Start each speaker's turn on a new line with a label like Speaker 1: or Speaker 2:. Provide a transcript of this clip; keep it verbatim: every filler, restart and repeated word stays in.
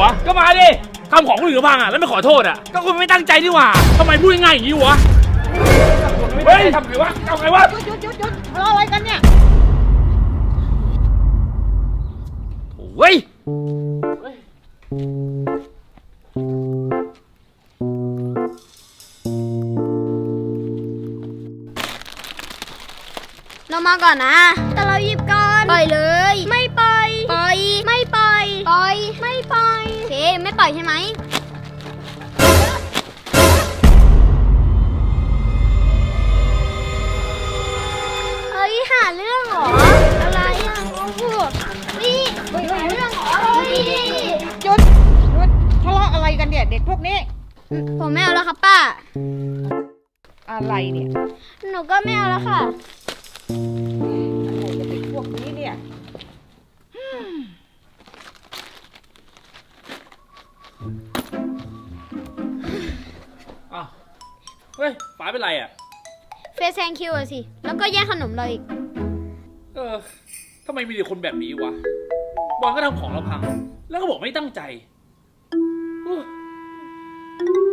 Speaker 1: อก็มาดิทำของคนอื่นพังอ่ะแล้วไม่ขอโทษอ่ะก็คุณไม่ตั้งใจนี่หว่าทำไมพูดง่ายอย่างนี้วะเฮ้ยทำไงวะทำไงวะ
Speaker 2: หยุดหยุดหยุดหยุดทะเลาะอะไรกันเนี่ย
Speaker 1: เฮ้ย
Speaker 3: เรามาก่อนนะแต่เราหยิบก่อนปล่อยเลยไม่ปล่อยปล่อยไม่ปล่อยปล่อยไม่ปล่อยโอเคไม่ปล่อยใช่ไหมเฮ้ยหาเรื่องเหรออะไรอ่ะโอ้โหนี่หาเรื่องเหรอเฮ้ย
Speaker 2: หยุดหยุดทะเลาะอะไรกันเนี่ยเด็กพวกนี้
Speaker 3: ผมไม่เอาแล้วครับป้า
Speaker 2: อะไรเนี่ย
Speaker 3: หนูก็ไม่เอาแล้วค่ะ
Speaker 2: อะไรกับเด็กพวกนี้เนี่ย
Speaker 1: อ้าวเฮ้ยฟ้าเป็นไรอ่ะ
Speaker 3: เฟซแซงคิวอะสิแล้วก็แย่งขนมเราอีก
Speaker 1: เออทำไมมีแต่คนแบบนี้วะบอลก็ทำของเราพังแล้วก็บอกไม่ตั้งใจ